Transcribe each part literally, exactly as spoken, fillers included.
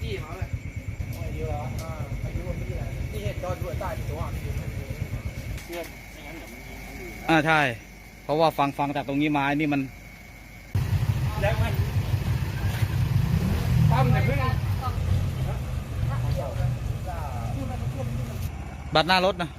จี้มาเลยอายุแล้วอ่าอายุมันไม่ได้ที่เห็นจอดด้วยใต้ตัวเพื่อนไม่งั้นเดี๋ยวมันยิงคนอื่นอ่าใช่เพราะว่าฟังฟังจากตรงนี้มานี่มันแล้วมันตั้มเนี่ยเพิ่งบัตรหน้ารถนะ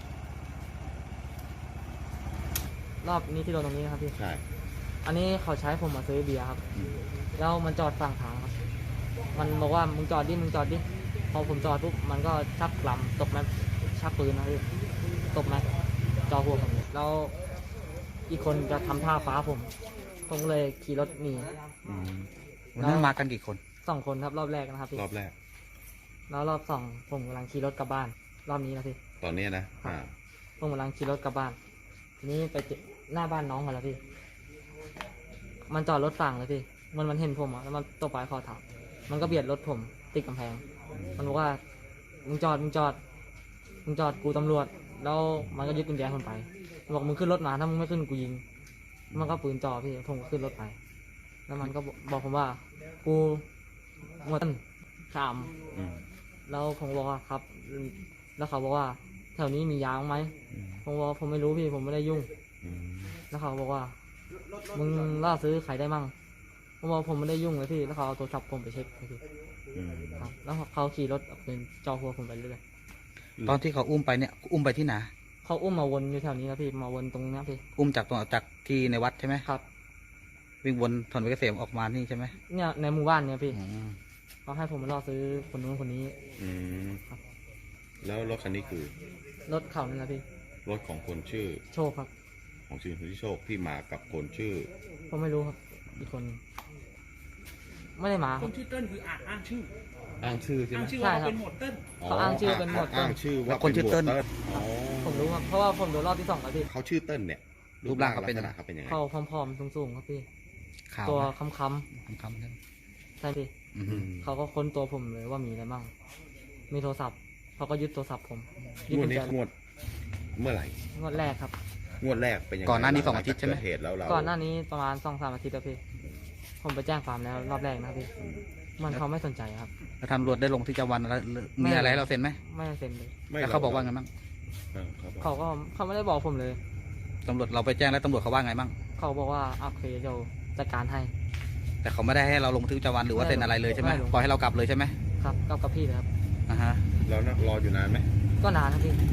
รอบนี้ที่โดนตรงนี้ครับพี่ใช่อันนี้เขาใช้ผมมาซื้อเบียร์ครับแล้วมันจอดฝั่งทางครับมันบอกว่ามึงจอดดิมึงจอดดิพอผมจอดปุ๊บมันก็ชักกลัมตกแม็กชักปืนนะพี่ตกแม็กจอหัวผมแล้วอีกคนจะทำท่าฟ้าผมผมเลยขี่รถหนีวันนั้นมากันกี่คนสองคนครับรอบแรกนะครับพี่รอบแรกแล้วรอบสองผมกำลังขี่รถกลับบ้านรอบนี้นะพี่ตอนนี้นะผมกำลังขี่รถกลับบ้านทีนี้ไปหน้าบ้านน้องกันแล้วพี่มันจอดรถฝั่งเลยพี่มันมันเห็นผมอ่ะแล้วมันตบปลายคอถังมันก็เบียดรถผมติดกำแพงมันบอกว่ามึงจอดมึงจอดมึงจอดกูตำรวจแล้วมันก็ยึดกุญแจผมไปบอกมึงขึ้นรถมาถ้ามึงไม่ขึ้นกูยิงมันก็ปืนจ่อพี่ผมก็ขึ้นรถไปแล้วมันก็บอกผมว่ากูหมดสามแล้วผมบอกว่าครับแล้วเขาบอกว่าแถวนี้มียางไหมผมบอกผมไม่รู้พี่ผมไม่ได้ยุ่งแล้วเขาบอกว่ามึงล่าซื้อใครได้มั่งผมบอกผมไม่ได้ยุ่งเลยพี่แล้วเขาเอาโทรศัพท์ผมไปเช็คพี่ครับแล้วเขาขี่รถเป็นจอหัวผมไปเรื่อยตอนที่เขาอุ้มไปเนี่ยอุ้มไปที่ไหนเขาอุ้มมาวนอยู่แถวนี้นะพี่มาวนตรงนี้พี่อุ้มจากตรงจากที่ในวัดใช่ไหมครับวิ่งวนถนนเกษมออกมานี่ใช่ไหมเนี่ยในหมู่บ้านเนี่ยพี่เขาให้ผมมาล่อซื้อคนนู้นคนนี้อืมครับแล้วรถคันนี้คือรถเขานี่นะพี่รถของคนชื่อโชคครับของชื่อคนที่โชคที่มากับคนชื่อผมไม่รู้ครับอีกคนไม่ได้มาคนชื่อเติ้ลคืออ่างอ้างชื่ออ้างชื่อใช่ไหมอ้างชื่อว่าเป็นหมวดเติ้ลเขาอ้างชื่อเป็นหมวดเติ้ลอ้างชื่อว่าคนชื่อเติ้ลผมรู้ครับเพราะว่าผมโดนรอบที่สองแล้วพี่เขาชื่อเติ้ลเนี่ยรูปร่างเขาเป็นยังไงเขาเป็นยังไงเขาผอมๆสูงๆครับพี่ตัวค้ำๆค้ำๆใช่พี่เขาก็ค้นตัวผมเลยว่ามีอะไรบ้างมีโทรศัพท์เขาก็ยึดโทรศัพท์ผมงวดนี้งวดเมื่อไหร่งวดแรกครับงวดแรกเป็นยังไงก่อนหน้านี้สองอาทิตย์ใช่ไหมเหตุแล้วเราก่อนหน้านี้ประมาณสองสามอาทิตย์แล้วพี่ผมไปแจ้งความแล้วรอบแรกนะพี่มันเขาไม่สนใจครับแล้วตำรวจได้ลงที่จังหวัดมีอะไรเราเซ็นไหมไม่เซ็นเลยแล้วเขาบอกว่าไงบ้างเขาก็เขาไม่ได้บอกผมเลยตำรวจเราไปแจ้งแล้วตำรวจเขาว่าไงบ้างเขาบอกว่าโอเคเดี๋ยวจัดการให้แต่เขาไม่ได้ให้เราลงที่จังหวัดหรือว่าเซ็นอะไรเลยใช่ไหมปล่อยให้เรากลับเลยใช่ไหมครับกลับกับพี่เลยครับอ่าฮะแล้วรออยู่นานไหมก็นานครับพี่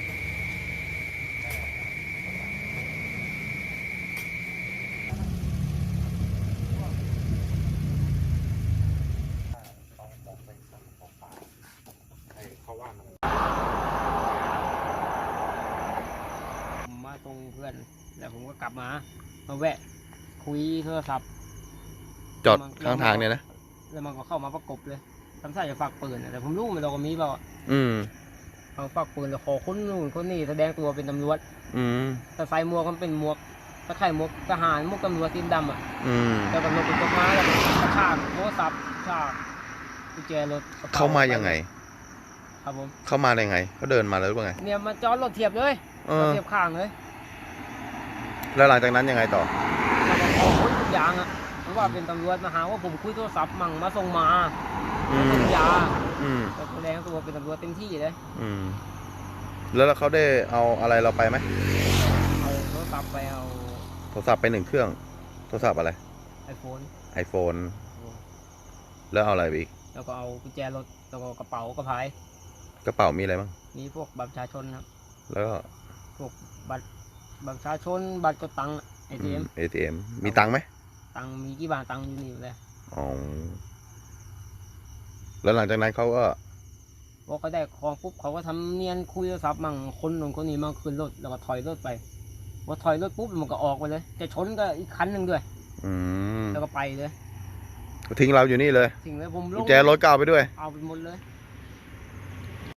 มาตรงเพื่อนแล้วผมก็กลับมามาแวะคุยโทรศัพท์จอดข้างทางเนี่ยนะแล้วมันก็เข้ามาประกบเลยทำท่าจะฝากปืนแต่ผมรู้มันเราก็มีเปล่าอืมเอาฝากปืนแล้วขอคนนู่นคนนี้แสดงตัวเป็นตำรวจอืมแต่ใส่หมวกมันเป็นหมวกตะไคร่หมวกทหารหมวกตำรวจตีนดำอ่ะอืมแล้วก็ลงเป็นต้นไม้แล้วกระชากโทรศัพท์ชากกุญแจรถเข้ามายังไงครับผมเข้ามาได้ไงเขาเดินมาเลยว่าไงเนี่ยมาจอดรถเทียบเลยเทียบข้างเลยแล้วหลังจากนั้นยังไงต่อแล้วก็ขอค้นทุกอย่างอ่ะเพราะว่าเป็นตำรวจมาหาว่าผมคุยโทรศัพท์มั่งมาส่งมาส่งยาแต่แสดงตัวเป็นตำรวจเต็มที่เลยอืมแล้วเขาได้เอาอะไรเราไปไหมเอาโทรศัพท์ไปเอาโทรศัพท์ไปหนึ่งเครื่องโทรศัพท์อะไรไอโฟนไอโฟนแล้วเอาอะไรไปอีกแล้วก็เอากุญแจรถแล้วก็กระเป๋ากระพายกระเป๋ามีอะไรบ้างมีพวกบัตรประชาชนครับแล้วก็พวกบัตรบัตรประชาชนบัตรกดตังค์เอทีเอ็มเอทีเอ็มมีตังค์ไหมตังค์มีกี่บาทตังค์อยู่นี่เลยอ๋อแล้วหลังจากนั้นเขาก็พอเขาได้ของปุ๊บเขาก็ทำเนียนคุยโทรศัพท์มั่งคนหนึ่งคนนี้มั่งขึ้นรถแล้วก็ถอยรถไปพอถอยรถปุ๊บมันก็ออกไปเลยจะชนก็อีกคันหนึ่งด้วยอืมแล้วก็ไปเลยทิ้งเราอยู่นี่เลยทิ้งเลยผมลงกุญแจรถก็เอาไปด้วยเอาไปหมดเลย